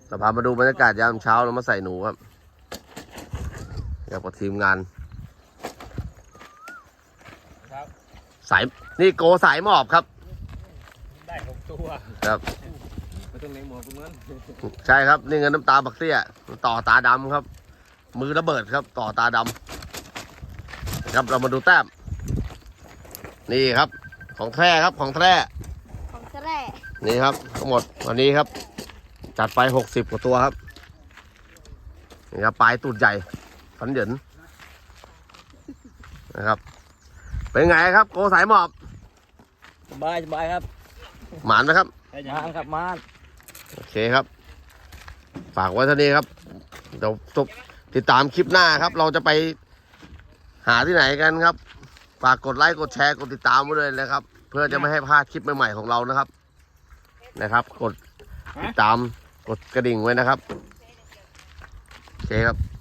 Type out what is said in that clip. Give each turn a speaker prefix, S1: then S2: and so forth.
S1: เราพามาดูบรรยากาศยามเช้าเรามาใส่หนูครับกับทีมงานสายนี่โกสายหมอบครับ
S2: ได้6 ตัว
S1: ครับ
S2: ไม่ต้องเลี้ยงหมอคุณนั้น
S1: ใช่ครับนี่เงินน้ำตาบักเตี้ยต่อตาดำครับมือระเบิดครับต่อตาดำครับเรามาดูแต้มนี่ครับของแท้ครับของแท้
S3: ของแท้
S1: นี่ครับทั้งหมดวันนี้ครับจัดไป60 กว่าตัวครับนี่ครับปลายตูดใหญ่ฟันเหยินนะครับเป็นไงครับโกสายหมอบ
S2: สบายครับ
S1: หมานไหมครับ
S2: มานครับมาน
S1: โอเคครับฝากไว้เท่านี้ครับเดี๋ยวติดตามคลิปหน้าครับเราจะไปหาที่ไหนกันครับฝากกดไลค์กดแชร์กดติดตามไว้เลยนะครับเพื่อจะไม่ให้พลาดคลิปใหม่ๆของเรานะครับกดติดตามกดกระดิ่งไว้นะครับโอเคครับ